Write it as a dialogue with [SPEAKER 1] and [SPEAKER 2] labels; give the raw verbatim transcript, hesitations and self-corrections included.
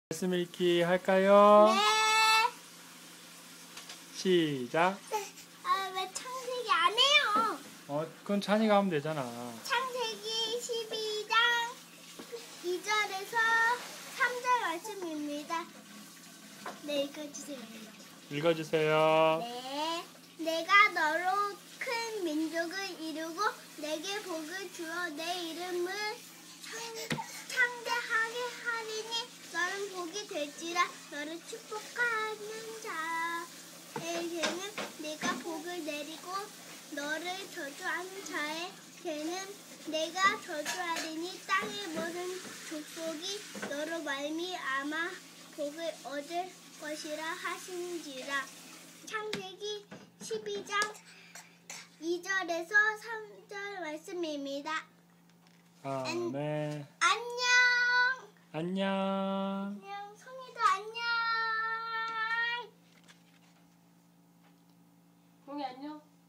[SPEAKER 1] 말씀 읽기 할까요?
[SPEAKER 2] 네.
[SPEAKER 1] 시작.
[SPEAKER 2] 아, 왜 창세기 안 해요?
[SPEAKER 1] 어, 그건 찬이가 하면 되잖아.
[SPEAKER 2] 창세기 십이 장 이 절에서 삼 절 말씀입니다. 네, 읽어주세요.
[SPEAKER 1] 읽어주세요.
[SPEAKER 2] 네. 내가 너로 큰 민족을 이루고 내게 복을 주어 내 이름을 창, 창대하게 하리니 너는 복이 될지라. 너를 축복하는 자에게는 내가 복을 내리고 너를 저주하는 자에게는 내가 저주하리니 땅의 모든 족속이 너로 말미암아 복을 얻을 것이라 하신지라. 창세기 십이 장 이 절에서 삼 절 말씀입니다.
[SPEAKER 1] 아멘.
[SPEAKER 2] 안녕.
[SPEAKER 1] 안녕.
[SPEAKER 2] 안녕. 성희도 안녕.
[SPEAKER 3] 동이 안녕.